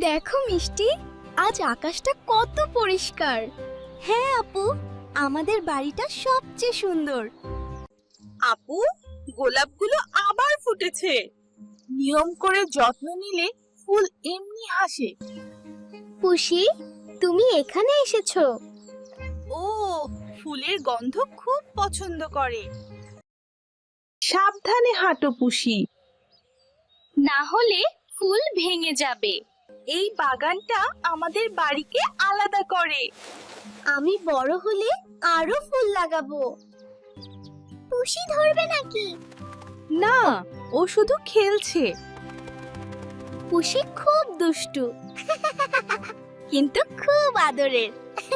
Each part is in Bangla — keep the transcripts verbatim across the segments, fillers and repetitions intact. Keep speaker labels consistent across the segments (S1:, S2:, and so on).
S1: দেখো মিষ্টি, আজ আকাশটা কত পরিষ্কার। হ্যাঁ আপু, আমাদের বাড়িটা সবচেয়ে সুন্দর।
S2: আপু, গোলাপগুলো আবার ফুটেছে। নিয়ম করে যত্ন নিলে ফুল এমনি হাসে।
S1: পুষি, তুমি এখানে এসেছো?
S2: ও, ফুলের গন্ধ খুব পছন্দ করে। সাবধানে হাঁটো পুষি,
S1: না হলে ফুল ভেঙে যাবে।
S2: এই বাগানটা আমাদের বাড়িকে আলাদা করে।
S1: আমি বড় হলে আরো ফুল লাগাবো। পুষি ধরবে নাকি?
S2: না, ও শুধু খেলছে।
S1: পুষি খুব দুষ্টু, কিন্তু খুব আদরের।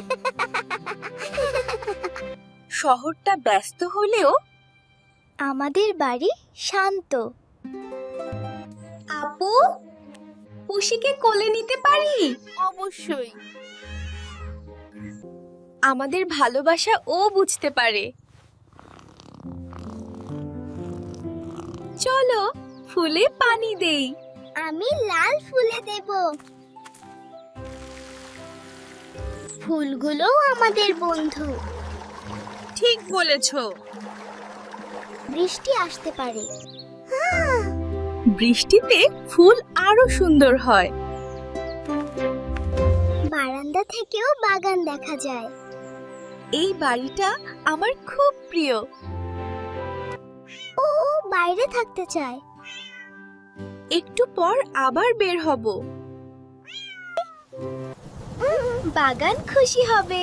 S2: শহরটা ব্যস্ত হলেও
S1: আমাদের বাড়ি শান্ত। আপু, পুষিকে কোলে নিতে পারি?
S2: অবশ্যই।
S1: আমাদের ভালোবাসা ও বুঝতে পারে। চলো ফুলে পানি দেই। আমি লাল ফুলে দেব। ফুলগুলো আমাদের বন্ধু।
S2: ঠিক বলেছো।
S1: বৃষ্টি আসতে পারে।
S2: বৃষ্টিতে ফুল আরো সুন্দর হয়।
S1: বারান্দা থেকেও বাগান দেখা যায়।
S2: এই বাড়িটা আমার খুব প্রিয়।
S1: ও বাইরে থাকতে চায়।
S2: একটু পর আবার বের হব।
S1: বাগান খুশি হবে।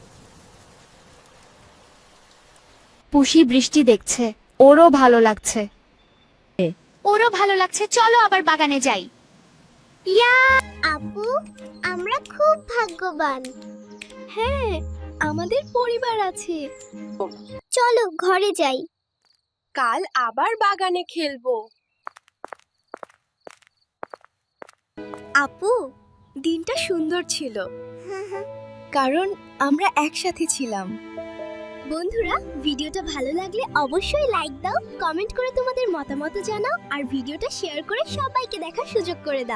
S3: পুষি বৃষ্টি দেখছে, ওরও ভালো লাগছে। ওরও ভালো লাগছে, চলো আবার বাগানে যাই। ইয়া!
S1: আপু, আমরা খুব ভাগ্যবান। হ্যাঁ, আমাদের পরিবার আছে। চলো ঘরে যাই।
S2: কাল আবার বাগানে খেলবো।
S1: আপু, দিনটা সুন্দর ছিল, কারণ আমরা একসাথে ছিলাম। বন্ধুরা, ভিডিওটা ভালো লাগলে অবশ্যই লাইক দাও, কমেন্ট করে তোমাদের মতামত জানাও আর ভিডিওটা শেয়ার করে সবাইকে দেখার সুযোগ করে দাও।